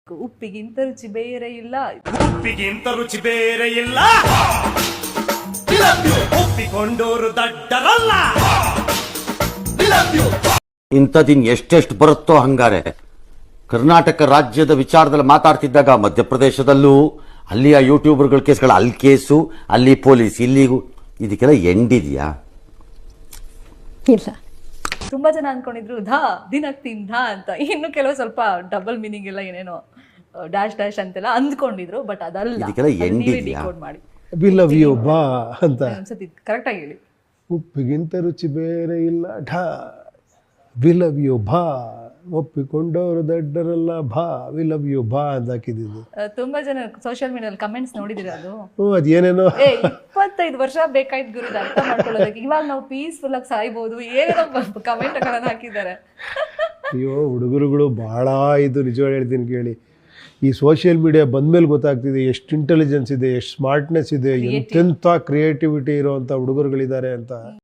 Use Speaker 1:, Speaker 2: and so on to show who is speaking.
Speaker 1: ಉಪ್ಪಿಗಿಂತ ರುಚಿ ಬೇರೆ ಇಲ್ಲ.
Speaker 2: ಉಪ್ಪಿಗಿಂತ ರುಚಿ ಬೇರೆ ಇಲ್ಲ. ಒಪ್ಪಿಕೊಂಡೋರು ದಡ್ಡರಲ್ಲ.
Speaker 3: ಇಂಥದಿನ್ ಎಷ್ಟೆಷ್ಟು ಬರುತ್ತೋ ಹಂಗಾರೆ. ಕರ್ನಾಟಕ ರಾಜ್ಯದ ವಿಚಾರದಲ್ಲಿ ಮಾತಾಡ್ತಿದ್ದಾಗ ಮಧ್ಯಪ್ರದೇಶದಲ್ಲೂ ಅಲ್ಲಿಯ ಯೂಟ್ಯೂಬರ್ಗಳ ಕೇಸ್ಗಳು ಅಲ್ಲಿ ಕೇಸು, ಅಲ್ಲಿ ಪೊಲೀಸ್, ಇಲ್ಲಿಗೂ ಇದಕ್ಕೆಲ್ಲ ಎಂಡಿದೆಯಾ?
Speaker 1: ಇಲ್ಲ. ತುಂಬಾ ಜನ ಅನ್ಕೊಂಡಿದ್ರು ದಿನಕ್ಕೆ ತಿಂದ ಅಂತ. ಇನ್ನು ಕೆಲವು ಸ್ವಲ್ಪ ಡಬಲ್ ಮೀನಿಂಗ್ ಎಲ್ಲ ಏನೇನೋ ಡ್ಯಾಶ್ ಡ್ಯಾಶ್ ಅಂತೆಲ್ಲ ಅಂದ್ಕೊಂಡಿದ್ರು. ಬಟ್ ಅದಲ್ಲ,
Speaker 3: ಇದಕ್ಕೆಲ್ಲ ಎಂಡಿದೆಯಾ?
Speaker 1: ಡಿಕೋಡ್ ಮಾಡಿ
Speaker 4: ವಿ ಲವ್ ಯು ಬಾ ಅಂತ
Speaker 1: ಅನ್ಸತಿ. ಕರೆಕ್ಟ್ ಆಗಿ ಹೇಳಿ.
Speaker 4: ಉಪ್ಪಿಗಿಂತ ರುಚಿ ಬೇರೆ ಇಲ್ಲ ಢಾ, ವಿ ಲವ್ ಯು ಬಾ, ಒಪ್ಪಿಕೊಂಡವರು ದಡ್ಡರಲ್ಲ ಬಾ, ವಿ ಲವ್ ಯು ಬಾ ಅಂತ ಹಾಕಿದ್ದು.
Speaker 1: ತುಂಬಾ ಜನ ಸೋಷಿಯಲ್ ಮೀಡಿಯಾದಲ್ಲಿ ಕಮೆಂಟ್ಸ್ ನೋಡಿದಿರ ಅದು?
Speaker 4: ಅದೇನೇನೋ
Speaker 1: 25 ವರ್ಷ ಬೇಕಾಯ್ತು ಗುರುದ ಅರ್ಥ ಮಾಡ್ಕೊಳ್ಳೋದಕ್ಕೆ. ಇವಾಗ ನಾವು ಪೀಸ್ಫುಲ್ ಆಗಿ ಸಾಯ್ಬೋದು ಏನೇನೋ ಕಮೆಂಟ್ ಗಳನ್ನ ಹಾಕಿದ್ದಾರೆ.
Speaker 4: ಅಯ್ಯೋ ಹುಡುಗರುಗಳು ಭಾಳ ಇದು ನಿಜವಾಗಿ ಹೇಳ್ತೀನಿ ಕೇಳಿ. ಈ ಸೋಷಿಯಲ್ ಮೀಡಿಯಾ ಬಂದ್ಮೇಲೆ ಗೊತ್ತಾಗ್ತಿದೆ ಎಷ್ಟು ಇಂಟೆಲಿಜೆನ್ಸ್ ಇದೆ, ಎಷ್ಟು ಸ್ಮಾರ್ಟ್ನೆಸ್ ಇದೆ, ಎಂತೆಂಥ ಕ್ರಿಯೇಟಿವಿಟಿ ಇರೋವಂಥ ಹುಡುಗರುಗಳಿದ್ದಾರೆ ಅಂತ.